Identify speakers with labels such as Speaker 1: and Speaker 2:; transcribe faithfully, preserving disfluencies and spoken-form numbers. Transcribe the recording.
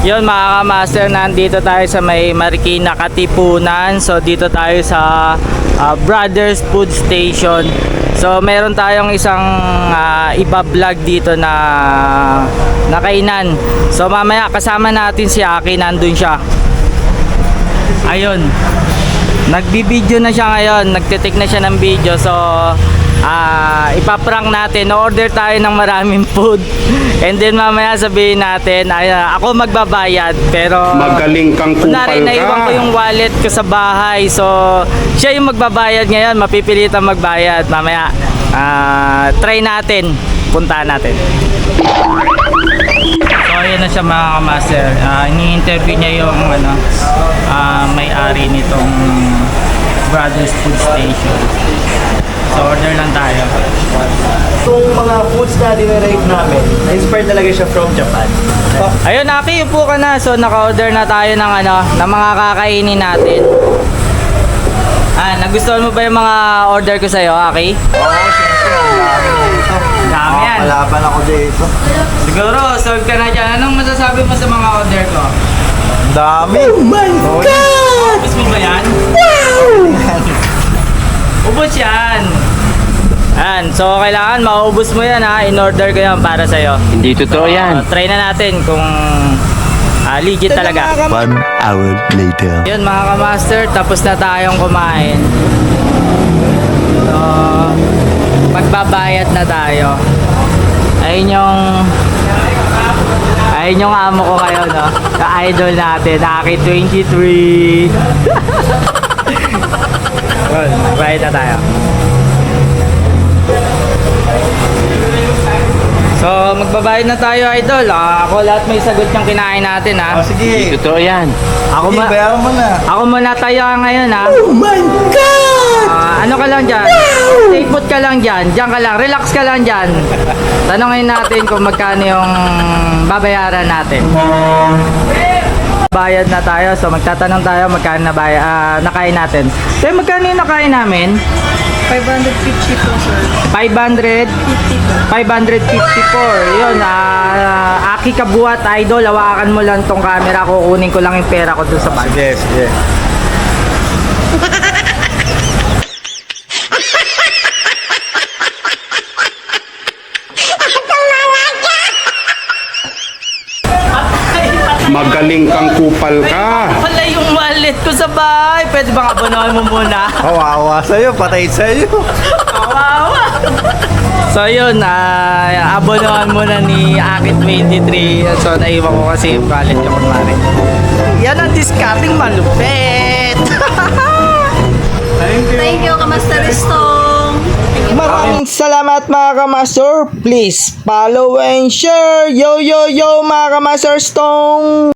Speaker 1: Yun mga kamaster, nandito tayo sa may Marikina Katipunan. So dito tayo sa uh, Brothers Food Station. So meron tayong isang uh, iba-vlog dito na nakainan. So mamaya kasama natin si Aki, nandun siya. Ayun, nagbibideo na siya ngayon, nagtitik na siya ng video. So uh, ipaprank natin, order tayo ng maraming food. And then mamaya sabihin natin, ay, uh, ako magbabayad. Pero
Speaker 2: magaling kang kupal
Speaker 1: kunwari,
Speaker 2: ka.
Speaker 1: naiwan ko yung wallet ko sa bahay. So siya yung magbabayad ngayon, mapipilitan magbayad. Mamaya uh, try natin, puntahan natin. So ayan na siya mga kamaster. uh, Ini-interview niya yung ano, uh, may-ari nitong Brothers Food Station. So order lang tayo.
Speaker 3: Itong mga foods na dinirate namin, na-inspired talaga siya from Japan.
Speaker 1: Ayun Aki, upo ka na. So naka-order na tayo ng ano, ng mga kakainin natin. Ah, nagustuhan mo ba yung mga order ko sa'yo, Aki?
Speaker 3: Oo, siyempre, ang dami nito.
Speaker 1: Dami yan.
Speaker 3: Malaban ako dito.
Speaker 1: Siguro, solve ka na dyan. Anong masasabi mo sa mga order ko?
Speaker 3: Ang dami! Oh my God!
Speaker 1: Ubus mo ba yan? Ubus yan! Yan. So, kailangan maubos mo yan ha. In-order ko yan para sa'yo.
Speaker 2: Hindi totoo yan.
Speaker 1: Uh, try na natin kung uh, legit talaga.
Speaker 4: One hour later.
Speaker 1: Yun mga kamaster, tapos na tayong kumain. So, magbabayad na tayo. Ayun yung ayun yung amo ko ngayon, no? Ka-idol natin, Aki twenty-three. Well, bayad na tayo. So, magbabayad na tayo, idol. Ah, ako lahat may sagot yung kinain natin, ha?
Speaker 3: Oh, sige.
Speaker 2: Totoo yan.
Speaker 1: Ako,
Speaker 3: Sige,
Speaker 1: ma-
Speaker 3: bayaran mo na.
Speaker 1: ako muna tayo ngayon, ha?
Speaker 3: Oh my God!
Speaker 1: Ah, ano ka lang dyan? Stay put ka lang dyan. Diyan ka lang. Relax ka lang dyan. Tanungin natin kung magkano yung babayaran natin. Bayad na tayo. So magtatanong tayo magkano na bayad, ah, nakain natin. So magkano yung nakain namin?
Speaker 5: five hundred fifty po, sir.
Speaker 1: five hundred
Speaker 5: fifty po.
Speaker 1: five fifty-four. Yun, ah, Aki Kabuhat, idol. Hawakan mo lang tong camera. Kukunin ko lang yung pera ko dun sa bag.
Speaker 3: Sige, sige.
Speaker 2: Magaling kang kupal ka.
Speaker 1: Wala yung wallet ko sa bahay. Pwede bang abonahan mo muna?
Speaker 3: Kawawa sa'yo, patay sa'yo.
Speaker 1: Kawawa. So yun, uh, abonahan muna ni Aki twenty-three. So naiwan ko kasi yung wallet ko kunwari. Yan ang discarding malupit.
Speaker 5: Thank you, Kamaster Ristong.
Speaker 1: Maraming salamat mga kamaster. Please follow and share. Yo yo yo mga kamaster Stone.